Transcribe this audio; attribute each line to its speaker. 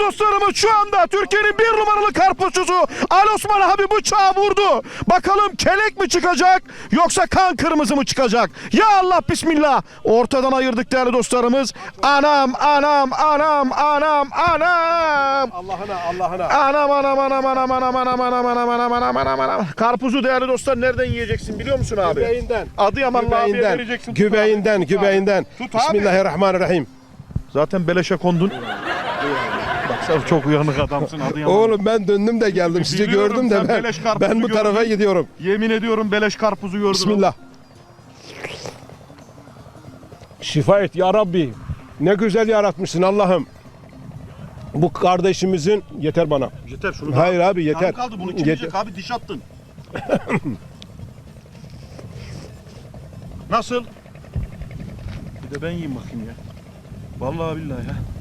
Speaker 1: dostlarımız şu anda Türkiye'nin bir numaralı karpuzcusu Ali Osman abi bıçağı vurdu. Bakalım kelek mi çıkacak yoksa kan kırmızı mı çıkacak? Ya Allah bismillah. Ortadan ayırdık değerli dostlarımız. Anam anam anam anam anam.
Speaker 2: Allah'ına.
Speaker 1: Anam anam anam anam anam anam anam anam anam anam anam anam. Karpuzu değerli dostlar nereden yiyeceksin biliyor musun abi?
Speaker 2: Göbeğinden.
Speaker 1: Adıyamanlı abiye vereceksin.
Speaker 2: Göbeğinden.
Speaker 1: Tut abi.
Speaker 2: Bismillahirrahmanirrahim.
Speaker 1: Zaten beleşe kondun. Bak sen çok uyanık adamsın Adıyaman.
Speaker 2: Oğlum ben döndüm de geldim. Sizi
Speaker 1: Biliyorum,
Speaker 2: gördüm
Speaker 1: sen
Speaker 2: de
Speaker 1: beleş karpuzu
Speaker 2: ben bu tarafa
Speaker 1: gördün.
Speaker 2: gidiyorum.
Speaker 1: Yemin ediyorum beleş karpuzu gördüm.
Speaker 2: Bismillah. Şifa et ya Rabbi. Ne güzel yaratmışsın Allah'ım. Bu kardeşimizin yeter bana.
Speaker 1: Yeter şunu.
Speaker 2: Hayır abi yeter.
Speaker 1: Yarım kaldı bunu kim yiyecek abi diş attın. Nasıl? Bir de ben yiyeyim bakayım ya. Vallahi billahi ya.